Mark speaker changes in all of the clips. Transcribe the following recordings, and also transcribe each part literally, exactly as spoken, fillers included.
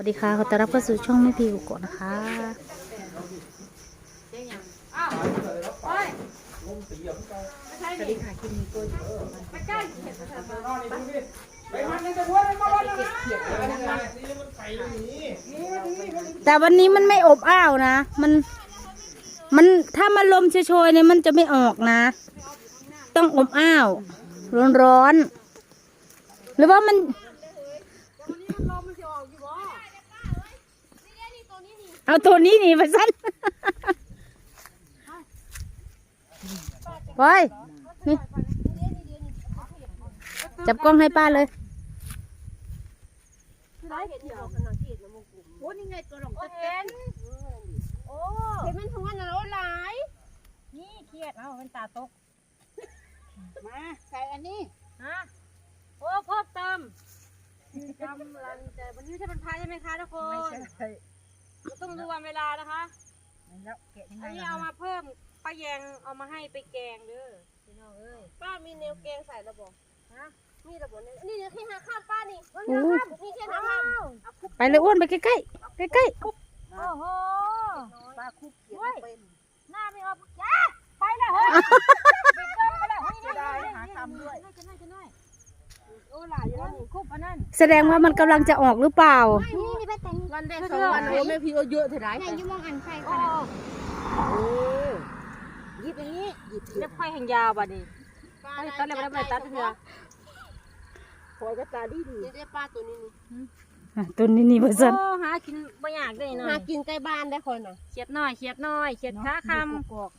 Speaker 1: วัสดีค่ะขอต้อนรับเข้าสู่ช่องแม่พีกุกนะคะสวัสดีค่ะคลิปนี้ก็แต่วันนี้มันไม่อบอ้าวนะมันมันถ้ามันลมโชยๆเนี่ยมันจะไม่ออกนะต้องอบอ้าวร้อนๆหรือว่ามันเอาตัวนี้หนีไปสั้นไปนี่จับกล้องให้ป้าเลย
Speaker 2: โอ้นี่ไงตัวหลงตะเต็นโอ้เห็นมันทำงานอะไรหลายนี่เครียดเอาเป็นตาตกมาใส่อันนี้ฮะโอ้เพิ่มเติมกำลังจะวันนี้ใช่เป็นพายใช่ไหมคะทุกคนต้องดูวันเวลานะคะแล้วแกะยังไงอันนี้เอามาเพิ่มป้าแยงเอามาให้ไปแกงเด้อพี่น้องเอ้ยป้ามีแนวแกงใส่ระบบฮะมีระบบนี่นี่เดี๋ยวที่หาข้าวป้านี่นี่แค่ทำ
Speaker 1: ไปเลยอ้วนไปใกล้ใกล้ใกล้ใกล้
Speaker 2: โอ้โหป้าคุบเขียนเป็นหน้าไม่ออกจ้าไปแล้วเฮ้ยไปเกินไปแล้วเฮ้ยได้หาทำด้วยจะน้อยจะน้อยโอ้หลายอยู่แล้วนี่คุบอันนั้น
Speaker 1: แสดงว่ามันกำลังจะออกหรือเปล่า
Speaker 2: นี่นี่ไปแต่งวันแรกสองวันโอ้แม่พี่เอาเยอะเท่าไหร่เนี่ยยุ่งมองอันไฟค่ะโอ้หยิบอย่างนี้หยิบเล็บไฟแห่งยาวบ่ดิตัดเลยไม่ได้ตัดเถอะคอยก็ตาดีดีนี่ได้ป้าตัวนี้นี่
Speaker 1: ตัวนี้นี่เพื่อน
Speaker 2: โอ้หากินไม่อยากได้หน่อยหากินใกล้บ้านได้คนน่ะเขียดน้อยเขียดน้อยเขียดขาคำกอก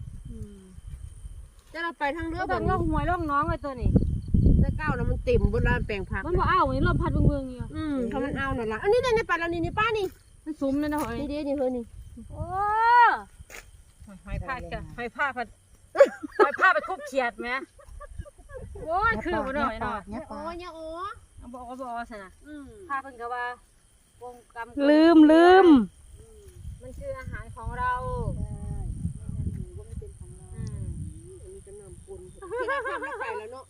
Speaker 2: จะเราไปทางเรือแบบล่องหวยล่องน้องเลยตัวนี้ได้เก้าแล้วมันเต็มบนลานแปลงผักมันบ่เอาอย่างนี้ลมพัดเมืองๆเนี่ยอืมถ้ามันเอาหน่อยละอันนี้ในป่าเรานี่นี่ป้านี่มันซุ้มนั่นนะหอยนี่เดี๋ยวนี่เฮ้ยนี่โอ้หอยผ้ากันหอยผ้าพัดหอยผ้าไปคุบเขียดไหมโอ้ยคือบ่หน่อยหน่อยโอ้ยโอ้บอกว่าบอกสินะผ้าเพิ่งก็ว่าวงกรรม
Speaker 1: ลืมลืม
Speaker 2: มันคืออาหารของเราว่าไม่เป็นของเราอันนี้จะนำปุนที่ได้ข้ามไม่ใส่แล้วเนาะ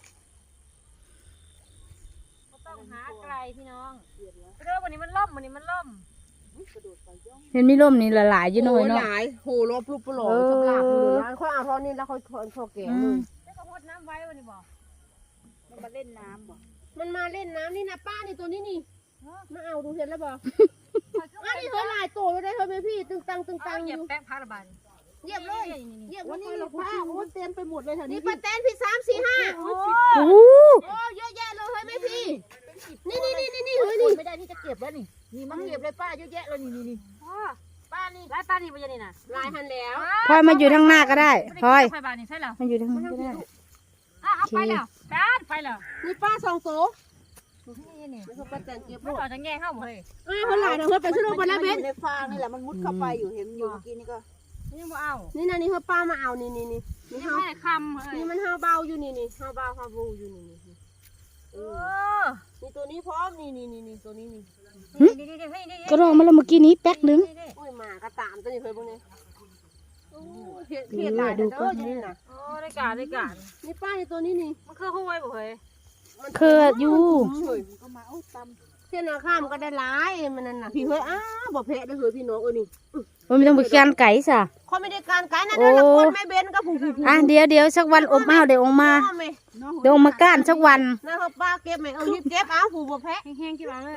Speaker 2: ต้องหาไกลพี่น้องเรื่องวันนี้มันล่มวันนี้มันล่ม
Speaker 1: เห็นมีร่มนี่ละลายอยู่หน่อยเนาะ
Speaker 2: หลายโหรบลูกปลอกสำหรับอยู่ร้านเขาเอาท่อนี้แล้วเขาท่อแก่เลยแล้วก็พดน้ำไว้วันนี้บอกมันมาเล่นน้ำบอกมันมาเล่นน้ำนี่นะป้านี่ตัวนี้นี่มาเอาดูเห็นแล้วบอกอันนี้เธอลายโตแล้วได้เธอไหมพี่ตึงตังตึงตังอยู่แป้งผ้าระบายเยียบเลยเยียบวันนี้ป้าโอ้เต็มไปหมดเลยแถวนี้นี่ป้าแตนพี่สามสี่ห้าโอ้โหเยอะแยะเลยเฮ้ยไหมพี่นี่นี่นี่นี่เฮ้ยนี่ไม่ได้ที่จะเก็บแล้วนี่นี่มันเก็บเลยป้าเยอะแยะเลยนี่นี่นี่ป้านี่ลายป้านี่ไปยังนี่นะลายหันแล้ว
Speaker 1: พลอยมาอยู่ทางหน้าก็ได้พลอย
Speaker 2: ไฟบานนี่ใช่เหรอ
Speaker 1: มาอยู่ทางหน้าก็ได้
Speaker 2: เอาไปแล้วป้าไปแล้วนี่ป้าสองโต๊ะนี่นี่มันป้าแตนเก็บมันเอาจะแง่เข้าหมดเลยอ้าวเขาหลายนะเฮ้ยไปซื้อลงไปแล้วเบนในฟางนี่แหละมันมุดเข้าไปอยู่เห็นอยู่เมื่อกี้นี่ก็นี่มาเอานี่นะนี่เขาป้ามาเอานี่นี่นี่นี่เขาคำนี่มันห้าเบาอยู่นี่นี่ห้าเบาห้าบูอยู่นี่นี่เออนี่ตัวนี้พร้อมนี่นี่นี่นี่ตัวนี้นี่
Speaker 1: ก็ลองมาแล้วเมื่อกี้นี้แป๊กนึง
Speaker 2: โอ้ยหมากระตามตัวนี้เคยพวกนี้เพียรเพียรได้ดูก็นี่นะโอ้ได้การได้การนี่ป้าในตัวนี้นี่มันคือห้วยบ่เฮ้ย
Speaker 1: เคยอยู่
Speaker 2: ก็มาเอาตำเส้นข้ามก็ได้หลายมันนั่นน่ะพี่เฮ้ยอ้าบ่เพะได้เฮ้ยพี่น้องเอ้ยนี่
Speaker 1: มันไม่ต้องไปการไก่ซะ
Speaker 2: เขาไม่ได้การไก่นะเดี๋ยวละคนไม่เบนก็ผู้
Speaker 1: อ่ะเดี๋ยวเดี๋ยวสักวันอบอ้าวเดี๋ยวออกมาเดี๋ยวออกมาก้านสักวัน
Speaker 2: นะเขาป้าเก็บไหมเออเก็บเอาผู้บ่แพะแห้งๆกี่วันเลย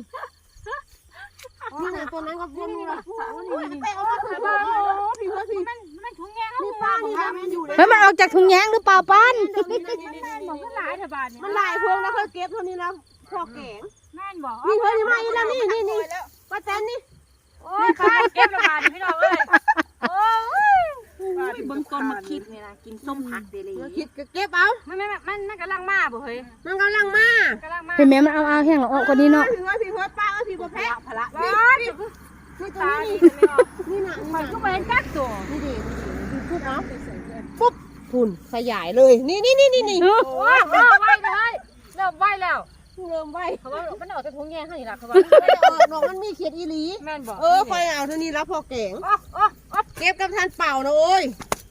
Speaker 2: นี่นะตัวนั้นก็พูดนี่ละไปเอามาถือบ้าพี่เฮ้ยพี่มันมันถุงแยงนี่ป้านี่นะมันอยู่เลย
Speaker 1: เฮ้ยมันออกจากถุงแยงหรือเปล่าป้าน
Speaker 2: มันหลายเถอะบ้านมันหลายพวงแล้วเขาเก็บเท่านี้แล้วพอแกงแม่นบอกนี่เฮ้ยนี่มาอีกแล้วนี่นี่นี่ป้าแตนนี่โอ้ยป้าเก็บละบ้านพี่น้องเอ้ยโอ้ยเบิ้งต้นมาคิดนี่นะกินส้มผักเดลี่คิดก็เก็บเอามันมันมันมันกำลังมาบ่เฮ้ยมันกำลังมากำลังมา
Speaker 1: เห็นไหมมันเอาเอาแห้งออกกว่านี้เนาะ
Speaker 2: พี่เฮ้ยพี่เฮ้ยป้าเอ้ยพี่บ่แพ้พละนี่นี่ตัวนี้นี่น่ะมันก็เป็นจักตัวนี่ดิพูดเอาปุ๊บพุ่นขยายเลยนี่นี่นี่นี่นี่โอ้ยไหวเลยเริ่มไหวแล้วเริ่มไหวเขาว่ามันออกจากถุงแยงให้นี่ล่ะเขาว่าน้องมันมีเขียดอีหลีแม่นบอกเออคอยเอาเท่านี้แล้วพอแกงเก็บกับทานเป่านะโอ้ย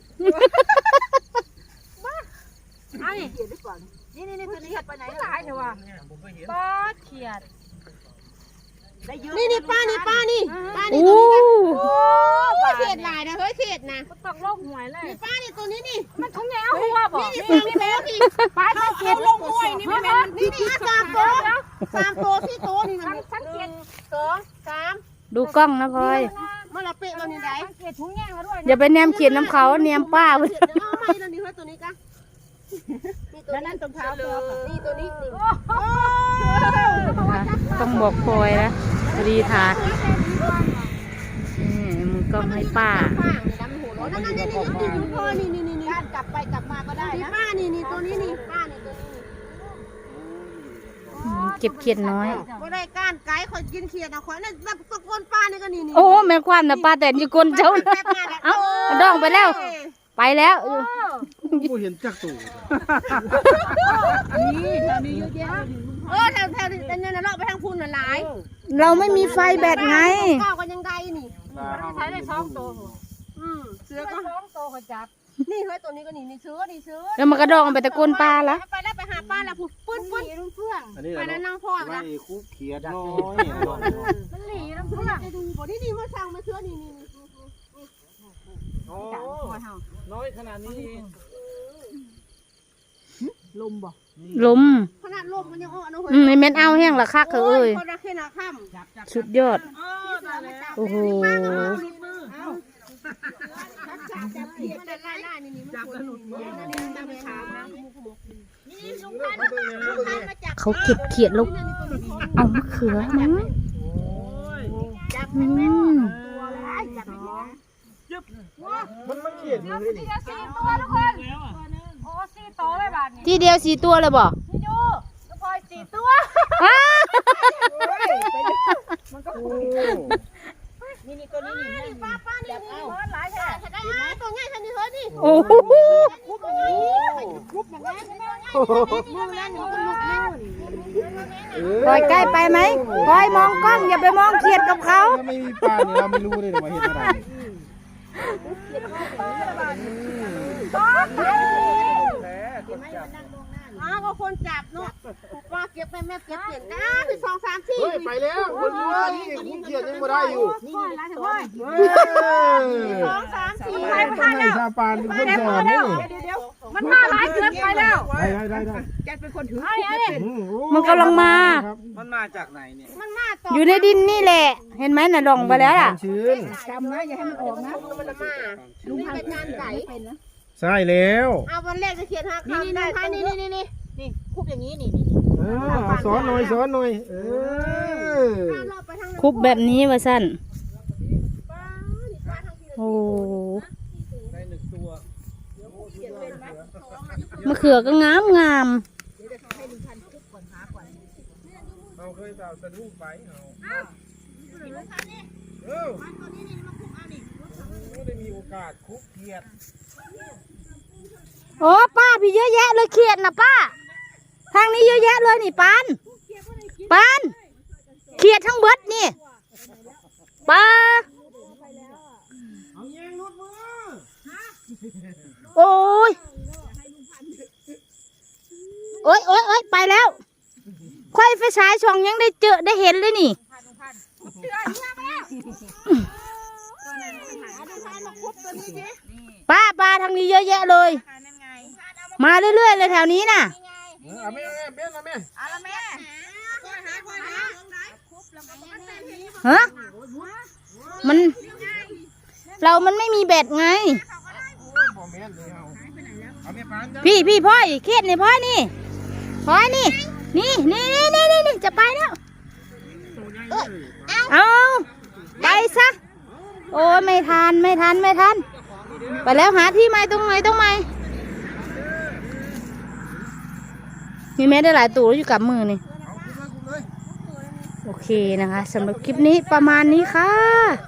Speaker 2: เอานี่เขียดดีกว่านี่นี่นี่ตัวนี้เขียดไปไหนหลายเถอะวะป้าเขียดนี่นี่ป้านี่ป้านี่ป้านี่
Speaker 1: โอ้
Speaker 2: ตัวนี้กันโอ้เศษลายนะเฮ้ยเศษนะต้องโลกหวยเลยนี่ป้านี่ตัวนี้นี่มันทุ่งแง่หัวบ่นี่นี่แม่นี่ป้าต้องเก็บลงหวยนี่แม่นี่นี่สามตัวสามตัวที่โตนี่มันสังเกตสองสาม
Speaker 1: ดูกล้องนะพลอย
Speaker 2: มันละเปะมันนี่ได้สังเกตทุ่งแง่มาด้วย
Speaker 1: อย่าไปแนมเขียนน้ำเขาแนมป้าเว้ย
Speaker 2: เอาไม่แล้วนี่เฮ้ยตัวนี้กันแล้วนั่นตรงเท้าตัวนี่ตัวนี้นี่
Speaker 1: นะคะต้องบอกพลอยนะรีทานี่มือกล้องให้ป้า
Speaker 2: ป้านี่ดำหัวร้อนนั่นนี่นี่นี่ดูพ่อนี่นี่นี่นี่กลับไปกลับมาก็ได้นะป้านี่นี่ตัวนี้นี่ป้านี่ตัวนี้
Speaker 1: อืมเก็บเขียดน้อย
Speaker 2: ก็ได้ก้านไก่คอยกินเขียดนะคอยนั่นตะโกนป้านี่ก็นี่นี่
Speaker 1: โอ้แม่ความนะป้าแต่อยู่ก้นเจ้านะเอ้าดองไปแล้ว ไปแล้ว
Speaker 3: กูเห็นจักตู่
Speaker 2: นี่แถวนี้เยอะแยะเออแถวแถวนี้เนี่ยนะเลาะไปทางพุ่นน่ะหลาย
Speaker 1: เราไม่มีไฟแบตไง
Speaker 2: เก้าก็ยังได้นี่
Speaker 3: ใช้ได้สองตัว
Speaker 2: อืมเสือก็สองตัวก็จับนี่เฮ้ยตัวนี้ก็นี่นี่เสือนี่เสือ
Speaker 1: แล้วมันกระดองไปตะโกนปลาละ
Speaker 2: ไปแล้วไปหาป้าแล้วปื้นปื้นปื้นเพื่อน
Speaker 3: อันนี้
Speaker 2: ไป
Speaker 3: แหละ
Speaker 2: แล้วนั่งพ่อ
Speaker 3: ไล่
Speaker 2: นะ
Speaker 3: คุกเขียดน้อย
Speaker 2: มันหลีน้ำเพื่อนจะดูบ่นี่นี่มาสั่งมาเสือนี่นี่
Speaker 3: โอ้น้อยขนาดนี้เอง
Speaker 2: ลมบ่
Speaker 1: ลม
Speaker 2: ขนาดลมมันยังอ่อน
Speaker 1: อืมไอแม่นเอาแห้งละคักเถอะเอ้ย
Speaker 2: คนละแค่นาค่ำ
Speaker 1: สุดยอด โอ้โห
Speaker 2: จับเขียดได้ไล่ไล่นี่นี่มันควรหลุดมือนี่จับไปถามนะนี่ลุงพันลุงพันมาจับ
Speaker 1: เขาเก็บเขียดแล้วเอามะเขือมั้ง
Speaker 2: จับ
Speaker 1: อื
Speaker 2: แม่
Speaker 1: ม
Speaker 2: ตัวเลยจับไปนะ
Speaker 3: มันมันเขียดอยู่เลยนี่
Speaker 2: สี่ตัวทุกคนโอ้สี่ตัวเลยบาทนี่
Speaker 1: ที่เดียวสี่ตัวเลยบ่
Speaker 2: นี่ดูลูกพลอยสี่ตัว
Speaker 1: อ้า
Speaker 3: โอ้
Speaker 2: นี่นี่ตัวนี้นี่ป้าป้านี่นี่หลายแท้ได้ตัวง่ายทันทีเฮ้ยนี่
Speaker 1: โอ้โห
Speaker 2: คุบอย่างนี้คุบอย่างนั้นมือนั่นมันหลุดมือ
Speaker 1: พลอยใกล้ไปไหมพลอยมองกล้องอย่าไปมองเขียดกับเขา
Speaker 3: ถ้าไม่มีปลาเนี่ยเราไม่รู้เลยว่าเห็นอะไร
Speaker 2: อ้าวก็คนจับเนาะป้าเก็บไปแม่เก็บเปลี่ยนนะคือสองสามสี่
Speaker 3: เฮ้ยไปแล้วคนรู้ว่านี่คุกเขียดยังไม่ได้อยู่
Speaker 2: นี่นี่ร้านเถอะเว้ย
Speaker 3: เฮ้ย
Speaker 2: สองสามสี่
Speaker 3: ต้องให้ซาปานเป็นคนสอนนี่
Speaker 2: มันมาหลายเกินไปแล้ว
Speaker 3: ได้ได้ได้ได้
Speaker 2: เอาอย่างนี้
Speaker 3: อืมโอ้
Speaker 1: มันกำลังมา
Speaker 4: มันมาจากไหนเนี่ย
Speaker 2: มันมาต่อ
Speaker 1: อยู่ในดินนี่แหละ เห็นไหมน่ะดองไปแล้วล่ะ
Speaker 3: ชื้น
Speaker 2: จำนะอย่าให้มันออกนะมันมาลุงเป็นงานไก่
Speaker 3: ใช่แล้ว
Speaker 2: เอาวันแรกจะเขียนห้าคำได้นี่นี่นี่นี่นี่คุบอย่างนี้นี่
Speaker 3: เออสอนหน่อยสอนหน่อยเออ
Speaker 1: คุบแบบนี้ว่าสั้นโอ้มะเขือก็งามงาม
Speaker 3: เราเคยสะดุ้งไปเอาเออได้มีโอกาสคุกเขียด
Speaker 1: โอ้ป้าพี่เยอะแยะเลยเขียดนะป้า ทางนี้เยอะแยะเลยนี่ปานปานเขียดทั้งเบิดนี่ป้า
Speaker 3: เอาแยงรุดมือ
Speaker 1: โอ้ยโอ้ยโอ้ยโอ้ยไปแล้วควายไฟฉายช่องยังได้เจอได้เห็นเลยนี่ป้าป้าทางนี้เยอะแยะเลย มาเรื่อยๆเลยแถวนี้น่ะ
Speaker 3: เอาแม่เอาแม่เบี้ยเอาแม่
Speaker 2: เอาละแม่หาคนหา
Speaker 1: ฮะมัน เรามันไม่มีแบตไง
Speaker 3: บ่แม่นเลยเอาเอาแม่ปานจ้ะ
Speaker 1: พี่พี่พ่อยเครียดนี่พ่อยนี่พ่อยนี่ นี่นี่นี่นี่นี่จะไปแล้วเอาไปซะโอ้ไม่ทันไม่ทันไม่ทันไปแล้วหาที่ใหม่ตรงไหนตรงไหนมีแม่ได้หลายตัวอยู่กับมือนี่โอเคนะคะสำหรับคลิปนี้ประมาณนี้ค่ะ